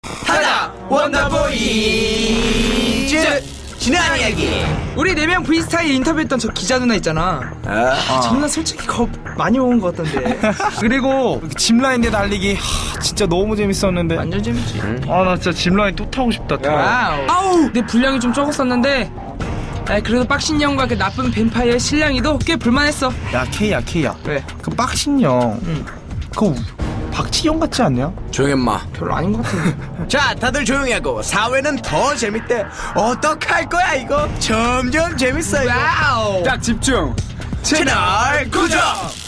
하나 원더보이즈 지난 이야기. 우리 4명 프리스타일 인터뷰했던 저 기자 누나 있잖아. 저 누나 솔직히 겁 많이 먹은 것 같던데. 그리고 짚라인에 달리기 진짜 너무 재밌었는데. 완전 재밌지. 나 진짜 짚라인 또 타고 싶다. 와우. 아우, 내 분량이 좀 적었었는데 그래도 빡신형과 그 나쁜 뱀파이어의 신랑이도 꽤 불만했어. 야 K야 왜? 그 빡신형 그거 박지영 같지 않냐? 조용히 마. 별로 아닌 것 같은데. 자, 다들 조용히 하고 사회는 더 재밌대. 어떡할 거야 이거? 점점 재밌어 이거. 와우. 딱 집중. 채널 고정.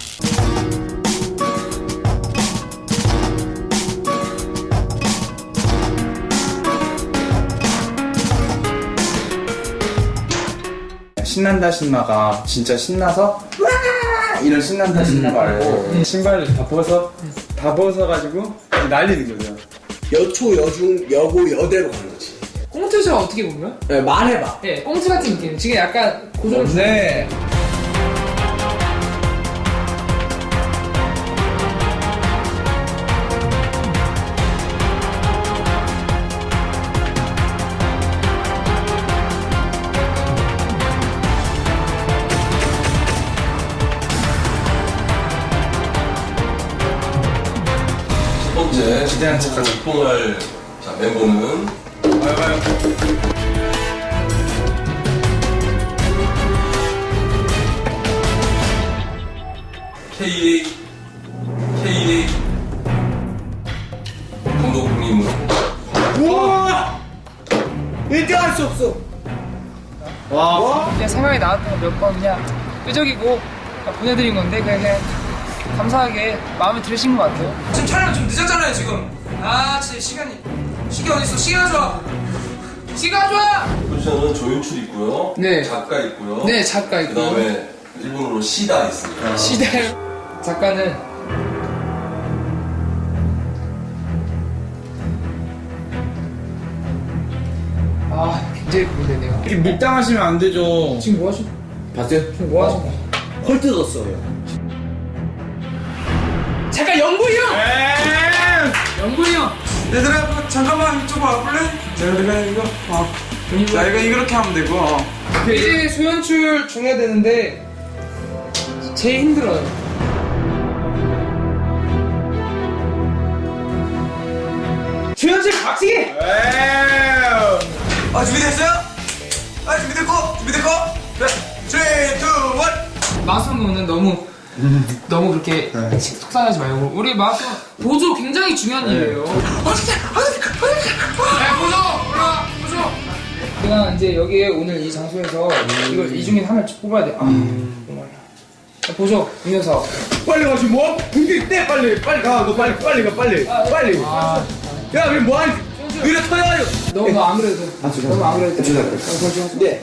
신난다 신나가 진짜 신나서 와 이런 신난다 신나 말고 신발을 다 벗어가지고 날리는 거죠. 여초 여중 여고 여대로 가는 거지. 꽁트처럼 어떻게 보면? 네, 말해봐. 예, 꽁트 같은 느낌. 지금 약간 고정. 네. 첫 번째 기대하는 척하자. 폭풍할 멤버는 KA 감독님으로 우와! 1등할 수 없어. 그냥 생각이 나왔던 거 몇 번 그냥 끄적이고 보내드린 건데 그냥 감사하게 마음에 들으신 것 같아요. 지금 촬영 좀 늦었잖아요 지금. 진짜 시간 어딨어? 시간 좋아. 시간 좋아. 포지션은 조윤출 있고요. 네. 작가 있고요. 네, 작가 있고요. 그다음에 일본어로 시다 있습니다. 시대 작가는 굉장히 고민되네요. 이렇게 밀당하시면 안 되죠. 지금 뭐 하시고? 봤어요? 지금 뭐 하시고? 헐 뜯었어요. 잠깐 영구이 형! 영구이 형! 얘들아 잠깐만 이쪽 와볼래? 내가 이거 자 이거 이렇게 하면 되고 이제 소연출 중해야 되는데 제일 힘들어요. 소연출 박치기! 준비됐어요? 준비됐고? 네 3, 2, 1 마수는 너무 그렇게 속상하지 말고 우리 마수 보조 굉장히 중요한 일이에요. 보조 올라 보조. 내가 이제 여기에 오늘 이 장소에서 이걸 이 중에 하나를 뽑아야 돼. 정말. 보조 음료사. 빨리 가지 뭐? 분기 때 빨리 가. 너 빨리 가 빨리. 야, 왜 뭐하니? 느려 터야요. 너 안 그래도 돼. 너무 안 그래도 돼. 네.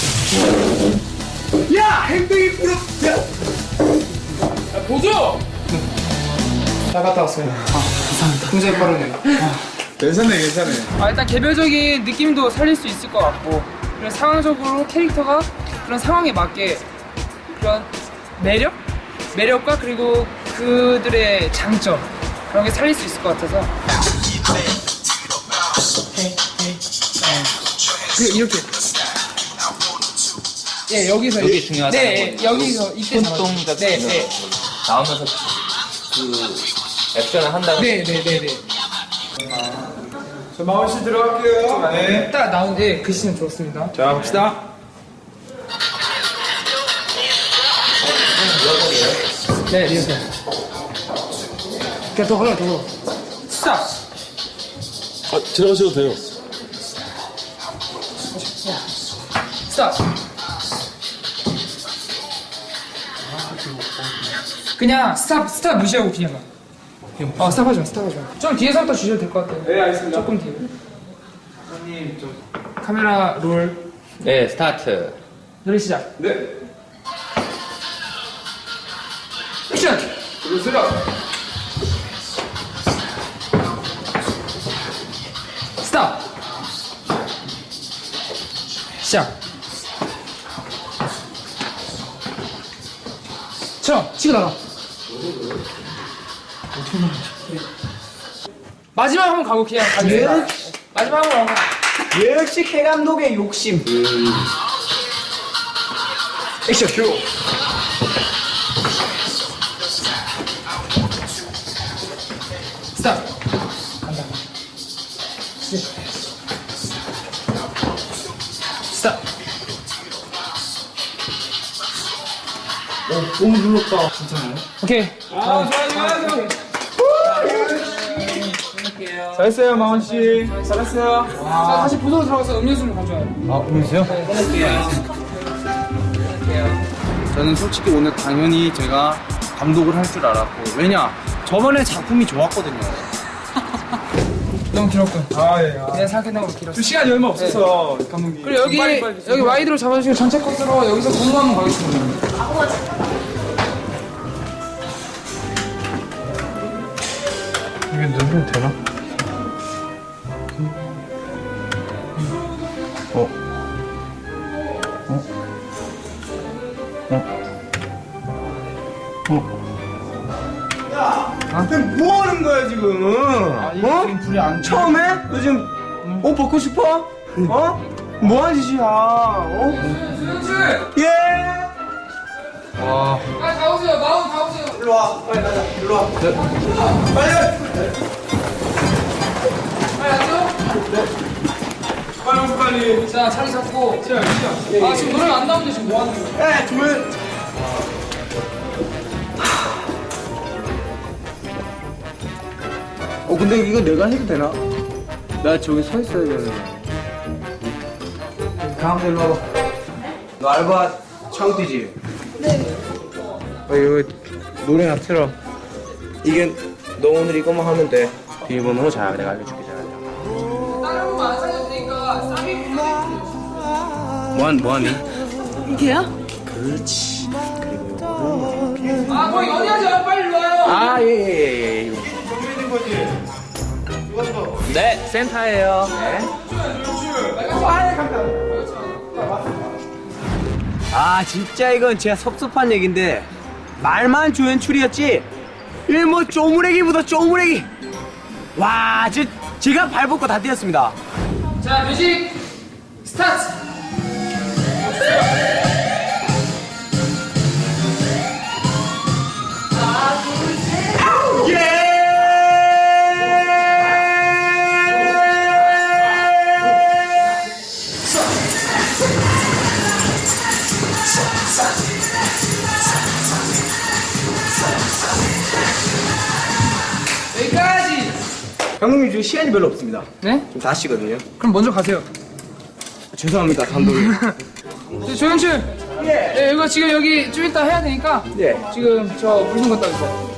야, 행동이 부럽. 야. 보조. 잘 갔다 왔어요. 감사합니다. 굉장히 빠르네요. 괜찮네. 일단 개별적인 느낌도 살릴 수 있을 것 같고 그리고 상황적으로 캐릭터가 그런 상황에 맞게 그런 매력과 그리고 그들의 장점 그런 게 살릴 수 있을 것 같아서 그리고 이렇게 여기서 여기 중요하다는 네, 거죠. 여기서 이때 손동 같은 거 나오면서 그 액션을 한다고. 네. 저 마원 씨 들어갈게요. 네. 딱 나오는데 글씨는 좋습니다. 자, 봅시다. 네, 리허설. 그냥 더 걸어. 스탑. 들어가셔도 돼요. 스탑. 그냥 스탑 무시하고 그냥 가. 스탑하지 마. 좀 뒤에서부터 주셔도 될 것 같아요. 네, 알겠습니다. 조금 뒤에. 형님 좀. 카메라 롤. 네, 스타트. 노래 시작. 네. 액션. 들으세요. 스탑. 시작. 치고 나가. 마지막 한번 가고 그냥 가겠습니다. 마지막 한번 가고. 역시 K 감독의 욕심. 액션 큐. 스탑. 간다. 스탑. 너무 눌렀다. 오케이. 좋아요. 잘했어요, 마원 씨. 잘했어요. 자, 다시 부서로 들어가서 음료수를 가져와요. 음료수요? 저는 솔직히 오늘 당연히 제가 감독을 할 줄 알았고, 왜냐 저번에 작품이 좋았거든요. 너무 길었군. 예. 내가 생각했던 것보다 길었어. 시간이 얼마 없어서 감독님. 그리고 여기 와이드로 잡아주시고 전체 컷으로 여기서 공부 한번 가겠습니다. 이게 누르면 되나? 뭐 하는 거야 지금? 어? 불이 안 처음에? 너 지금 옷 벗고 싶어? 어? 뭐 하는 짓이야? 어? 수영출! 예. 빨리 다 오세요. 마운 다 오세요. 일로 와. 빨리 가자. 일로 와. 빨리. 빨리 앉아. 빨리. 자, 자리 잡고. 아, 지금 노래가 안 나오는데 지금 뭐 하는 거야? 에 조용. 근데 이거 내가 해도 되나? 나 저기 서 있어야 되는데. 가운데 일로 와봐. 너 알바 처음 뛰지? 네. 이거 노래나 틀어. 이게 너 오늘 이거만 하면 돼. 비밀번호 자 내가 알려줄게. 자. 다른 거안 살려도 되니까 쌈이 뭐하니? 이게요? 그렇지. 아, 거기 어디 하세요? 빨리 일로 와요. 예. 네, 센터예요. 네. 아, 진짜 이건 제가 섭섭한 얘긴데 말만 조연출이었지. 뭐 쪼무레기보다 쪼무레기. 와, 제가 발벗고 다 뛰었습니다. 자, 뮤직 스타트. 여기까지. 감독님 지금 시간이 별로 없습니다. 네? 좀 다시거든요. 그럼 먼저 가세요. 죄송합니다, 감독님. 조현출. 네, 이거 지금 여기 좀 이따 해야 되니까. 예. 지금 저 물 좀 갖다 주세요.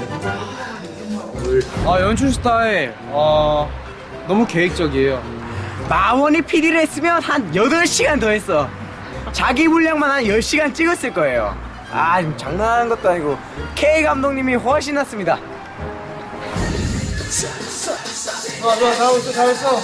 연출 스타일 너무 계획적이에요. 마원이 PD를 했으면 한 8시간 더 했어. 자기 분량만 한 10시간 찍었을 거예요. 아, 지금 장난하는 것도 아니고 K 감독님이 훨씬 낫습니다. 좋아, 잘하고 있어, 잘했어.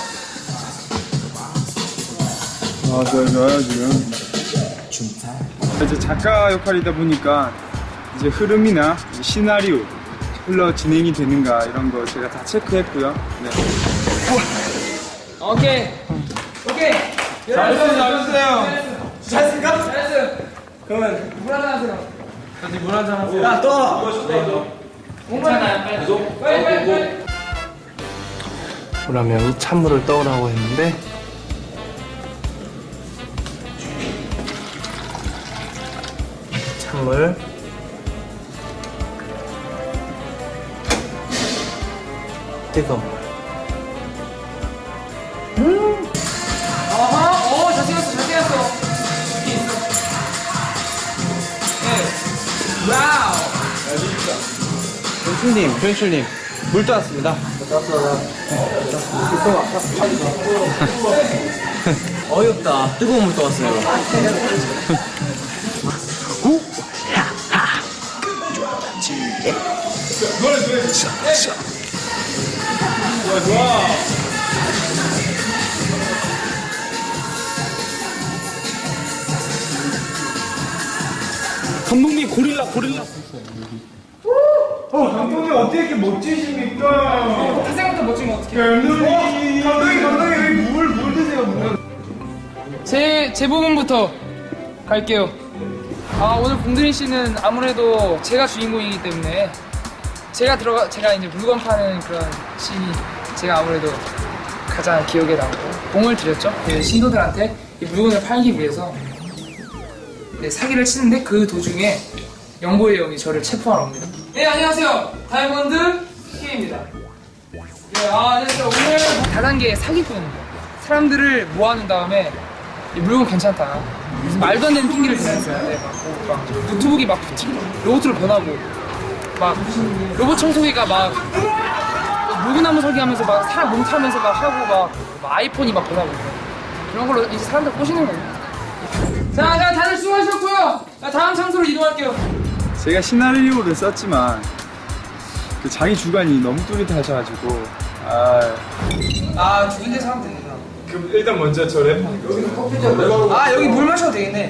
좋아요, 지금. 이제 작가 역할이다 보니까 이제 흐름이나 이제 시나리오 흘러 진행이 되는가 이런 거 제가 다 체크했고요. 네. 오케이. 잘했어요. 잘했습니까? 잘했어요. 그러면 물 한잔 하세요. 야, 또! 괜찮아요. 빨리. 그러면 찬물을 떠오라고 했는데 찬물 뜨거운 물 어허, 잘생겼어. 이렇게 있어. 네. 와우. 조연출님 물 떠왔습니다. 어이없다. 뜨거운 물 떠왔어요. 감독님 고릴라 감독님 어떻게 이렇게 멋지십니까? 태생부터 사람 못 찍으면 어떡해. 감독님 물 드세요 물. 제 부분부터 갈게요. 오늘 봉드린 씨는 아무래도 제가 주인공이기 때문에 제가 이제 물건 파는 그런 씬이 제가 아무래도 가장 기억에 남고 공을 들였죠. 그 신도들한테 이 물건을 팔기 위해서 사기를 치는데 그 도중에 영보의 형이 저를 체포하러 옵니다. 네, 안녕하세요. 다이아몬드 K입니다. 네, 안녕하세요. 오늘 다단계 사기꾼입니다. 사람들을 모아놓은 다음에 이 물건 괜찮다. 무슨 말도 안 되는 핑계를 대면서요. 네, 막 노트북이 막 로봇으로 변하고 막 로봇 청소기가 막 물구나무 설계하면서 막 사람 몸 타면서 막 하고 막 아이폰이 막 변하고 그런 걸로 이제 사람들 꼬시는 거예요. 자, 다들 수고하셨고요. 다음 장소로 이동할게요. 제가 시나리오를 썼지만 그 자기 주관이 너무 뚜렷하셔가지고 두 군데서 하면 되는구나. 그럼 일단 먼저 저 랩. 여기 물 마셔도 되겠네.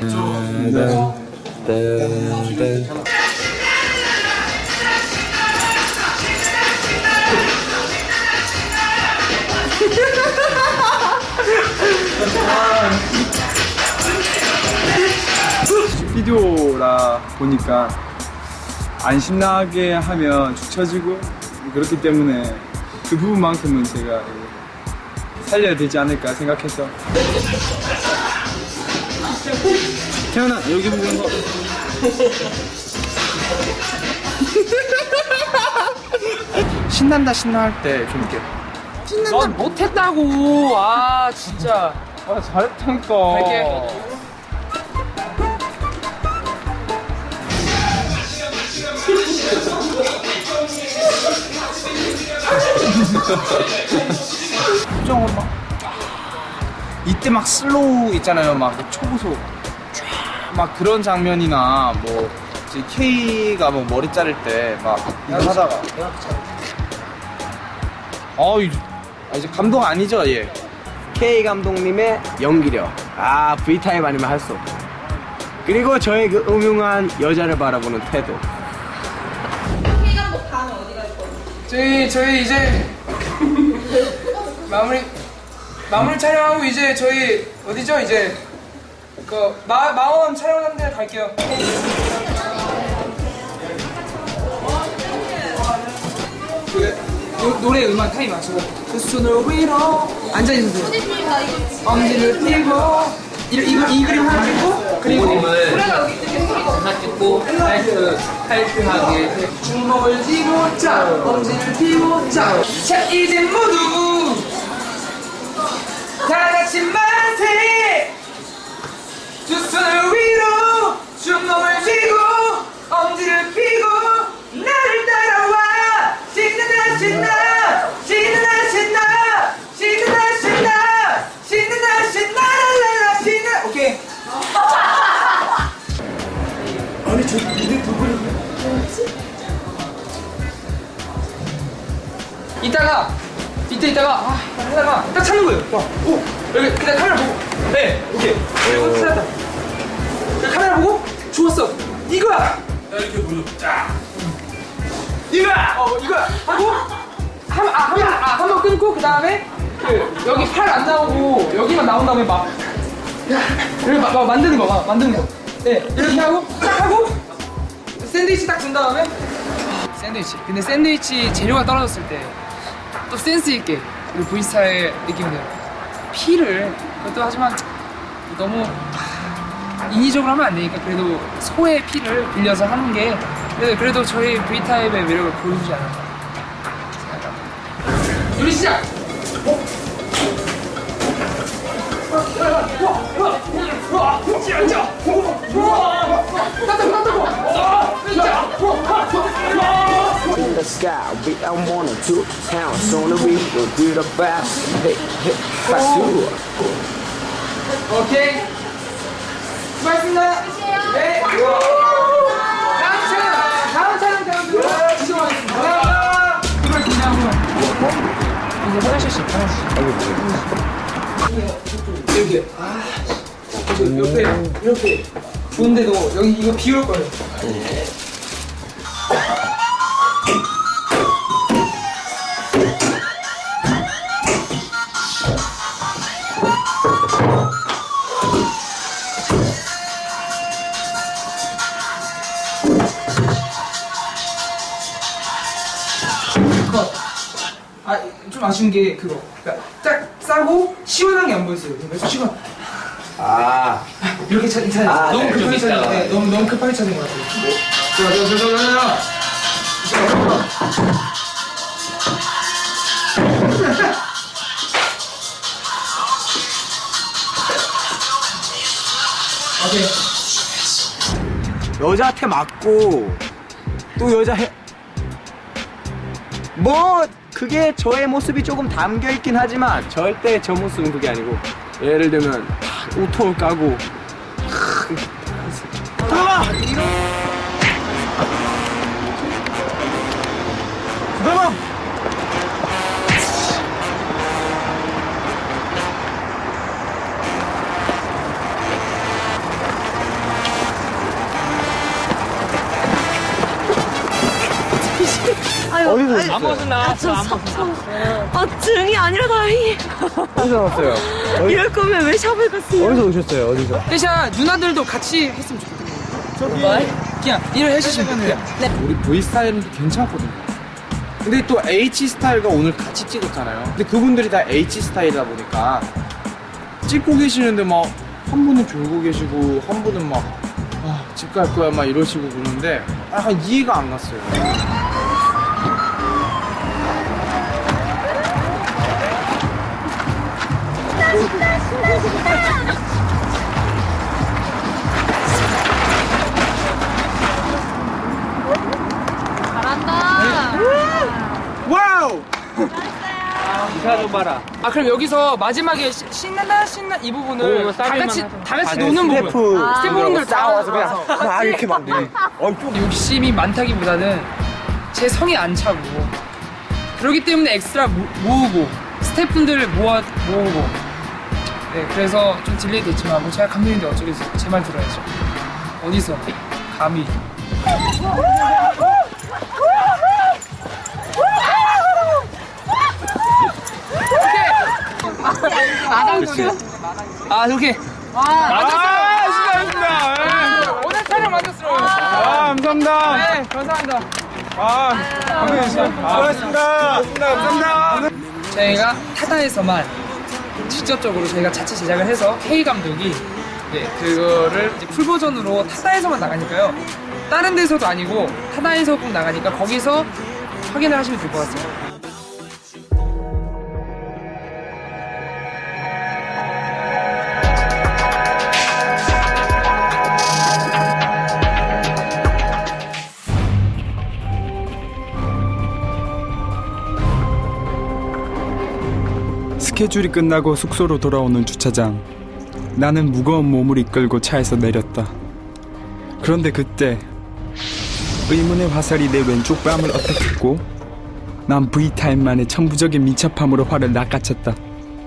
비디오라 보니까 안 신나게 하면 축 처지고 그렇기 때문에 그 부분만큼은 제가 살려야 되지 않을까 생각해서. 태연아 여기 보는 거. 신난다 신나할 때 좀 이렇게 넌 못했다고. 진짜. 잘했다니까. 갈게. 표정으로 이때 막 슬로우 있잖아요. 막 초고속 막 그런 장면이나 뭐 이제 K가 뭐 머리 자를 때 막 이거 하다가 이제 감독 아니죠 얘. K 감독님의 연기력. V타입 아니면 할 수 없고. 그리고 저의 그 음흉한 여자를 바라보는 태도. K감독 다음에 어디 갈 거예요? 저희 이제 마무리 촬영하고 이제 저희 어디죠? 이제 그 마원 촬영하는 데 갈게요. 노래 음악 타임 맞추고 그 손을 위로 앉아있으세요. 엄지를 펴고 이 그림 하나 찍고 그리고 하나 찍고 타이트하게 주먹을 쥐고 자 엄지를 펴고 자 이제 모두 다 같이 만세 두 손을 위로 주먹을 쥐고 엄지를 펴고 나를 따라와 신나 신나 신나 신나 신나 신나 신나 신나 라라라 신나 오케이. 아니 저 니네 누구를 이따가 하다가 딱 찾는 거예요. 오 여기 그냥 카메라 보고 오케이 그리고 찾았다. 카메라 보고 좋았어 이거야. 이렇게 보여. 자. 이거야 하고 한 번 끊고 그 다음에 여기 팔 안 나오고 여기만 나온 다음에 막 이렇게 막 만드는 거. 네 이렇게 하고 딱 하고 샌드위치 딱 준 다음에 샌드위치. 근데 샌드위치 재료가 떨어졌을 때 또 센스 있게 우리 V스타의 느낌대로 피를 그것도 하지만 너무 인위적으로 하면 안 되니까 그래도 소의 피를 빌려서 하는 게 그래도 저희 V타입의 매력을 보여주지 않을까 생각합니다. 요리 시작! In the sky, we are one or two towns on the river, we're about hey, 파수. 오케이. 수고하셨습니다. 네. 다음 촬영 지정하겠습니다. 이걸 그냥 이제 화장실씩 이렇게 이렇게 좋은데도 여기 이거 비올 거예요. 좀 아쉬운 게 그거. 그러니까 딱 싸고 시원한 게 안 보였어요. 그래서 시원. 이렇게 찾는 너무 급하게 찾는 거 같아. 너무 급하게 찾는 거 같아. 오케이. 여자한테 맞고 또 여자 뭐 그게 저의 모습이 조금 담겨 있긴 하지만 절대 저 모습은 그게 아니고 예를 들면 우통을 까고 들어가! 들어가! 어디서 아무것도 나. 증이 아니라 다행히. 어디서 나왔어요? 이럴 거면 왜 샵을 갔어요? 어디서 오셨어요? 어디서? 대신 누나들도 같이 했으면 좋겠다. 그냥 일을 해주시면 돼요. 우리 V 스타일은 괜찮거든요. 근데 또 H 스타일과 오늘 같이 찍었잖아요. 근데 그분들이 다 H 스타일이다 보니까 찍고 계시는데 막 한 분은 졸고 계시고 한 분은 막 집 갈 거야 막 이러시고 그러는데 약간 이해가 안 갔어요. 와우! 그럼 여기서 마지막에 신나 이 부분을 다 같이 노는 부분. 스태프분들 싸워서 그냥 막 이렇게 막 욕심이 많다기보다는 제 성에 안 차고 그렇기 때문에 엑스트라 모으고 스태프분들을 모으고 네 그래서 좀 딜레이 됐지만 뭐 제가 감독인데 어쩌겠어요. 제 말 들어야죠. 어디서 감히 오케이. 수고하셨습니다. 오늘 촬영 만족스러워요. 감사합니다. 네, 감사합니다. 수고하셨습니다. 감사합니다. 저희가 타다에서만 직접적으로 저희가 자체 제작을 해서 K 감독이 네, 그거를 이제 풀 버전으로 타다에서만 나가니까요. 다른 데서도 아니고 타다에서 꼭 나가니까 거기서 확인을 하시면 될 것 같습니다. 스케줄이 끝나고 숙소로 돌아오는 주차장. 나는 무거운 몸을 이끌고 차에서 내렸다. 그런데 그때 의문의 화살이 내 왼쪽 뺨을 어택했고 난 V타임만의 천부적인 민첩함으로 화를 낚아챘다.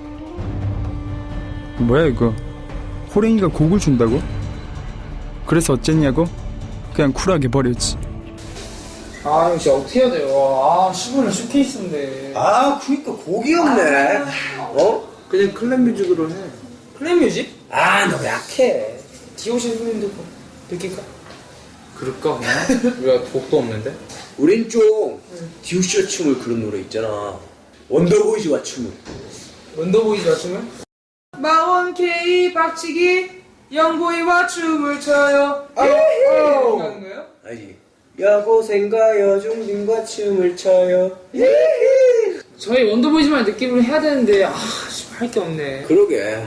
뭐야 이거? 호랭이가 곡을 준다고? 그래서 어쨌냐고? 그냥 쿨하게 버렸지. 형 진짜 어떻게 해야 돼요? 15년 쇼케이스인데. 그니까 곡이 없네. 그냥 클럽 뮤직으로 해. 클랩뮤직? 너무 약해. 디오신 선생님도 느낄까? 그럴까 그냥? 우리가 곡도 없는데? 우린 좀 디오쇼 춤을 그런 노래 있잖아. 원더보이즈와 춤을. 원더보이즈와 춤을? 마원 K 박치기 영보이와 춤을 춰요. 이렇게 하는 거예요? 알지? 여고생과 여중딩과 춤을 춰요. 저희 원더보이즈만 느낌으로 해야 되는데 할 게 없네. 그러게.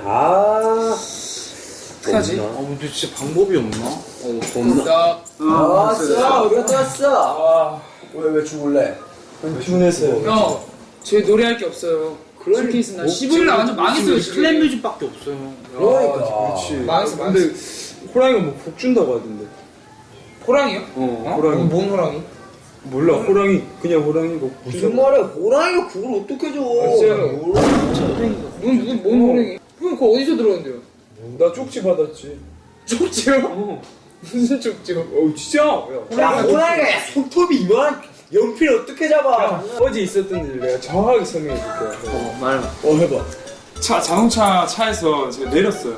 어떡하지? 근데 진짜 방법이 없나? 나 왔어. 우리가 또 왔어. 왜 죽을래? 피곤했어요. 형, 저희 노래할 게 없어요. 쇼케이스 날 15일 날 완전 망했어요. 클랩 뮤직밖에 없어요. 그러니까. 그렇지. 망했어. 근데 호랑이가 뭐 곡 준다고 하던데. 호랑이요? 호랑이. 뭔 호랑이? 몰라. 호랑이. 그냥 호랑이고. 무슨 말이야? 호랑이가 그걸 어떻게 줘? 뭔 호랑이? 형 그거 어디서 들었는데요? 나 쪽지 받았지. 쪽지요? 무슨 쪽지요? 진짜? 야, 호랑이가 손톱이 이만한 연필 어떻게 잡아? 어제 있었던 일 내가 정확하게 설명해 줄게. 말. 해봐. 자동차 차에서 제가 내렸어요.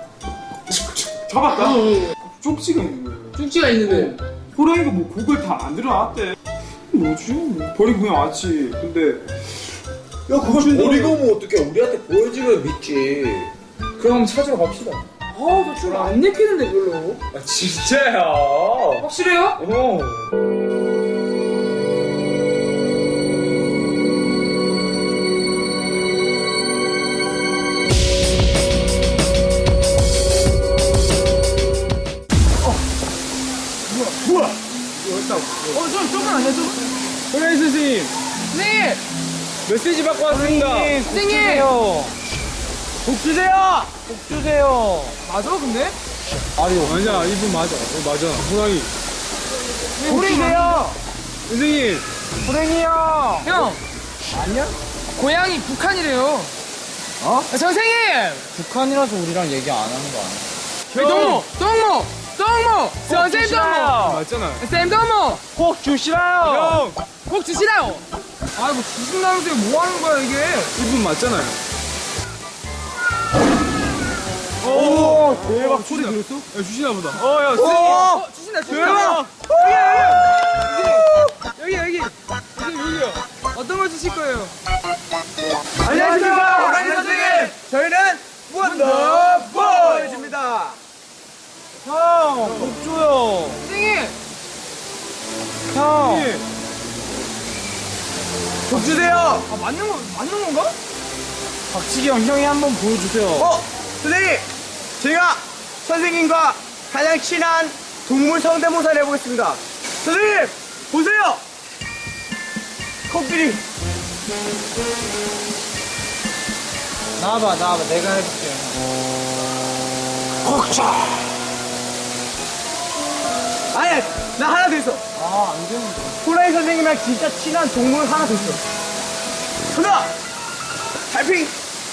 잡았다. 쪽지가 있는 거예요. 쪽지가 있는데 호랑이가 뭐 곡을 다 만들어 놨대. 뭐지? 버리고 그냥 왔지. 근데 그걸 버리고 오면 어떡해. 우리한테 보여주면 믿지. 그럼 찾으러 갑시다. 너 줄 안 내키는데 별로. 아 진짜야. 확실해요? 조금만 안 해, 좀. 호랭이 선생님 선생님! 메시지 받고 왔습니다. 선생님! 복 주세요. 복 주세요. 맞아, 근데? 맞아, 이분 맞아. 맞아. 호랑이. 호랭이요. 선생님. 호랭이 형. 형! 아니야? 고향이 북한이래요. 선생님! 북한이라서 우리랑 얘기 안 하는 거 아니야? 동무! 선생님 동무! 맞잖아. 쌤 동무! 복 주시라요. 형! 꼭 주시라요! 아이고, 주신다면서 뭐 하는 거야, 이게? 이분 맞잖아요. 오 대박. 소리 들었어? 야, 주시나 보다. 야 어, 주신다. 대박. 여기. 여기요. 어떤 거 주실 거예요? 안녕하십니까 호랑이 선생님. 저희는 원더보이즈입니다. 형, 복 줘요. 선생님! 형. 복 주세요. 맞는 건가? 박치기 형이 한번 보여주세요. 선생님, 제가 선생님과 가장 친한 동물 성대모사를 해보겠습니다. 선생님, 보세요! 코끼리. 나와봐. 내가 해볼게. 아니, 나 하나 더 있어. 안 되는데. 호랑이 선생님이랑 진짜 친한 동물 하나 더 있어. 하나! 달팽이!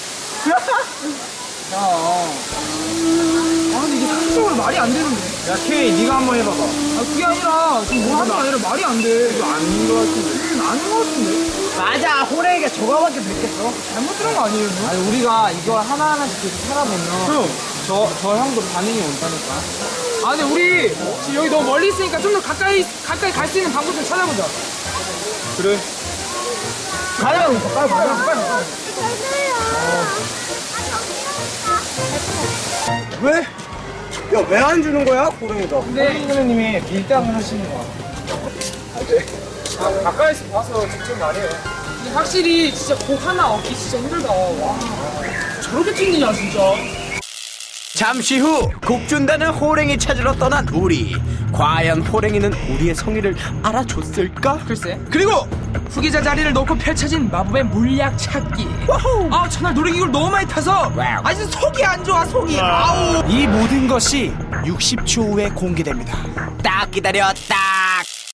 근데 이게 상식적으로 말이 안 되는데. 야 K, 네가 한번 해봐봐. 그게 아니라, 지금 뭐 하는 게 아니라 말이 안 돼. 이거 아닌 것 같은데. 아닌 거 같은데? 맞아, 호랑이가 저거밖에 못겠어. 잘못 들은 거 아니에요? 뭐? 아니 우리가 이걸 하나하나씩 계속 살아보면 저 형도 반응이 온다니까. 근데 우리 지금 여기 너무 멀리 있으니까 좀 더 가까이 갈 수 있는 방법 좀 찾아보자. 그래. 가자, 가자. 왜? 야, 왜 안 주는 거야, 호랑이가? 근데 선생님이 밀당을 하시는 거야. 가까이서 봐서 직접 말해요. 근데 확실히 진짜 곡 하나 얻기 진짜 힘들다. 와. 저렇게 튕기냐 진짜. 잠시 후 곡 준다는 호랭이 찾으러 떠난 우리. 과연 호랭이는 우리의 성의를 알아줬을까? 글쎄. 그리고 후계자 자리를 놓고 펼쳐진 마법의 물약 찾기. 전날 놀이기구를 너무 많이 타서 아직 속이 안 좋아, 속이. 아우. 이 모든 것이 60초 후에 공개됩니다. 딱 기다려, 딱.